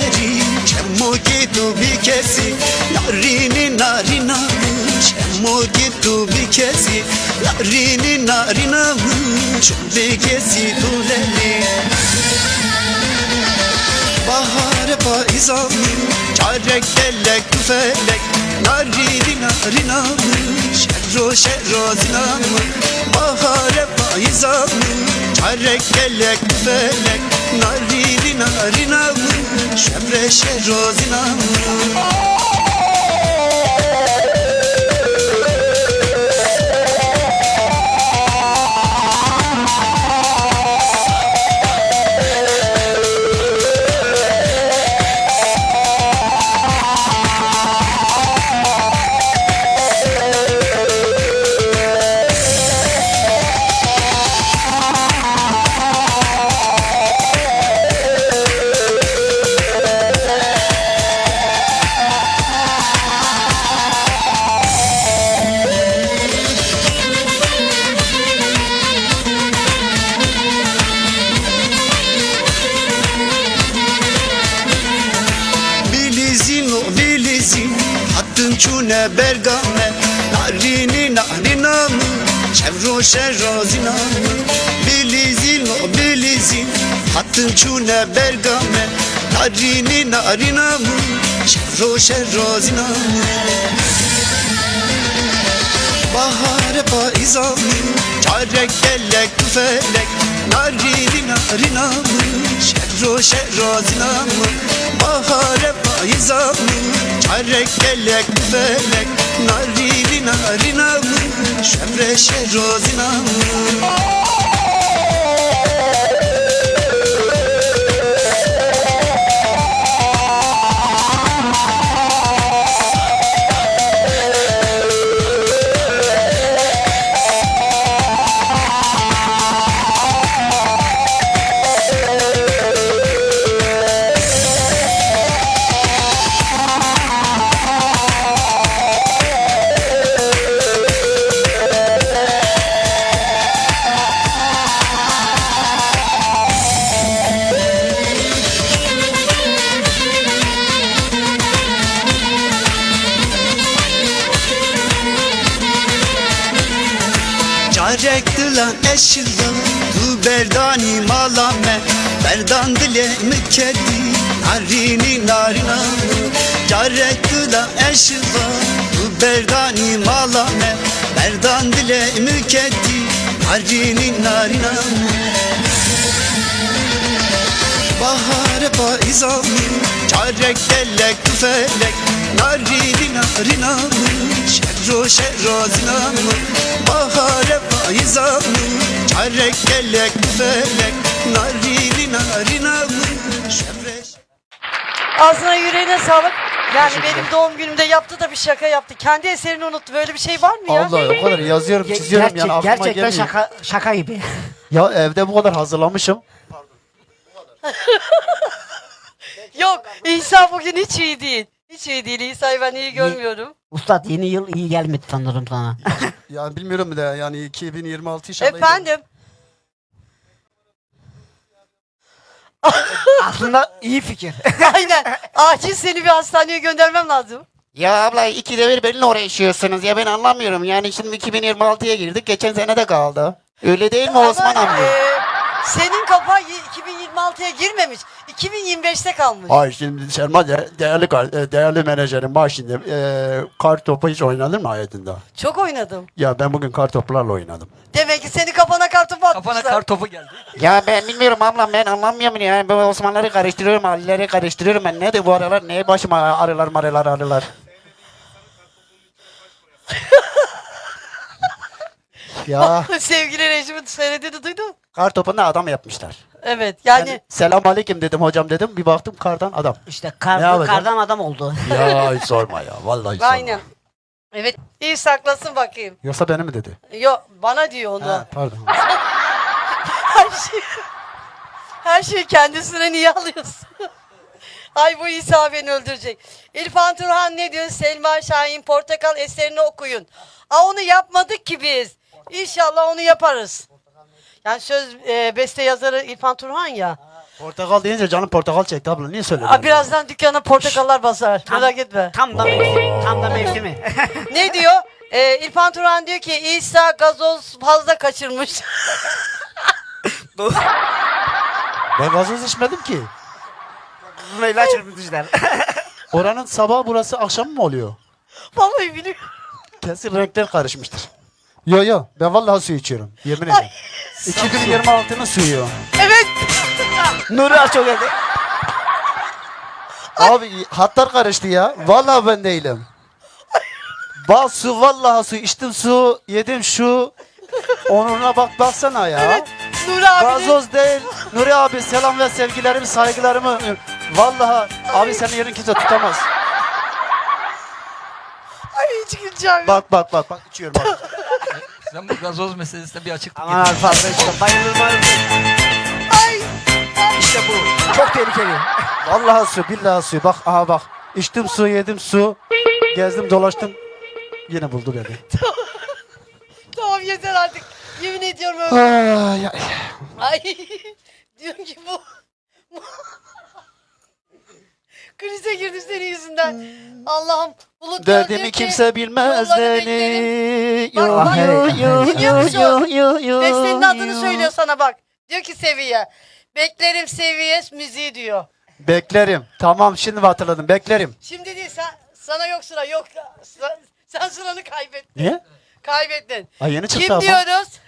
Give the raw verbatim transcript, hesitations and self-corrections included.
veri Çemo gitu bir kesi Narini narina Çemo gitu bir kesi Narini narina Bir kesi tuleli Bahar paizam Çarek delek tüfelek Narini narina Şerro şerro zinam Bahar paizam Çarek delek tüfelek Narini narina Şemre şerro zinam Çune bergame Narini narina Çevro şerro zinam Bilizin o bilizin Hattın çune bergame Narini narina Çevro şerro zinam Bahar paizam Çarek delek tüfelek Narini narina Şerro şerro zinam Bahar paizam Çarek delek tüfelek Narini narina Şemre şerro zinam Çarek dılan eşildan Tu berdani malame Berdan dile mükedi Narini narina Çarek dılan eşildan Tu berdani malame Berdan dile mükedi Narini narina Bahar paizam Çarek delek tüfelek Narini narina Şerro şerro zinam Bahar paizam Çarek delek tüfelek Narini narina Şemre. Ağzına yüreğine sağlık. Yani benim doğum günümde yaptı da bir şaka yaptı. Kendi eserini unuttu. Böyle bir şey var mı ya? Allah o kadar yazıyorum çiziyorum Gerçek, yani aklıma gerçekten gelmiyor. şaka, şaka gibi. Ya evde bu kadar hazırlamışım. Yok, İsa bugün hiç iyi değil. Hiç iyi değil. İsa'yı ben iyi görmüyorum. Ustad yeni yıl iyi gelmedi sanırım sana. Yani bilmiyorum da yani iki bin yirmi altı inşallah. Efendim? Aslında iyi fikir. Aynen. Acil seni bir hastaneye göndermem lazım. Ya abla ikide bir benimle uğraşıyorsunuz ya ben anlamıyorum. Yani şimdi iki bin yirmi altıya girdik geçen sene de kaldı. Öyle değil mi Osman Ama, abi? e, senin kafa iki bin yirmi altıya girmemiş. iki bin yirmi beşte kalmış. Ay şimdi Selma de- değerli kar- e, değerli menajerim bak şimdi e, kar topu hiç oynadın mı hayatında? Çok oynadım. Ya ben bugün kar toplarla oynadım. Demek ki senin kafana kartopu atmışlar. Kafana kar topu geldi. Ya ben bilmiyorum ablam ben anlamıyorum yani. Ben Osmanlıları karıştırıyorum, Ali'leri karıştırıyorum. Ben ne de bu aralar neye başıma arılar marılar arılar. Ya Sevgili rejimin söylediğini duydun. kar topunda adam yapmışlar. Evet yani, Yani, selam aleyküm dedim hocam dedim bir baktım kardan adam. İşte Ne kar, yapacağım? kardan adam oldu. Ya hiç sorma ya vallahi hiç sorma. aynen. Evet, iyi saklasın bakayım. Yoksa beni mi dedi? Yok, bana diyor onu. Ha, pardon. Her şey her şeyi kendisine niye alıyorsun? Ay bu İsa beni öldürecek. İrfan Turhan ne diyor? Selma Şahin Portakal eserini okuyun. Aa, onu yapmadık ki biz. İnşallah onu yaparız. Yani söz e, beste yazarı İrfan Turhan ya. Portakal deyince canım portakal çekti abla. Niye söyledin? Aa, birazdan dükkana portakallar basar. Merak etme. Tam da mevsimi. Tam da mevsimi. Ne diyor? Ee, İrfan Turan diyor ki İsa gazoz fazla kaçırmış. Ben gazoz içmedim ki. Bunu ilaç çırpıntıcılar. Oranın sabah burası akşam mı oluyor? Vallahi biliyorum. Kesin renkler karışmıştır. Yo yo ben vallahi su içiyorum. Yemin ederim. iki bin yirmi altının suyu. Evet. Nuri az çok geldi. Abi hatlar karıştı ya. Vallahi ben değilim. Bak su vallahi su içtim su yedim şu. Onuruna bak baksana ya. Evet. Nuri abi. Gazoz değil. Nuri abi selam ve sevgilerimi saygılarımı. Vallahi abi senin yerin kimse tutamaz. Ay hiç güleceğim. Bak bak bak bak içiyorum bak. Sen bu gazoz meselesine bir açıklık Aman abi fazla işte. Bayılır bayılır. Ay. İşte bu. Çok tehlikeli. Vallahi su billahi su. Bak aha bak. İçtim su yedim su. Gezdim dolaştım. Yine buldu beni. Tamam yeter artık. Yemin ediyorum öyle. Ay, ay. Ay. Diyorum ki bu. Krize girdi senin yüzünden. Allah'ım. Bulut Derdimi diyor ki, kimse bilmez yolları beni. beklerim. Yo, Bak, bak. yo, yo, Dinliyor musun? yo, yo, yo, Bestenin adını yo. söylüyor sana bak. Diyor ki Seviye. Beklerim Seviye müziği diyor. Beklerim. Tamam şimdi hatırladım. Beklerim. Şimdi değil sen, sana yok sıra yok. Sen, sen sıranı kaybettin. Niye? Kaybettin. Ay yeni çıktı Kim ama. diyoruz?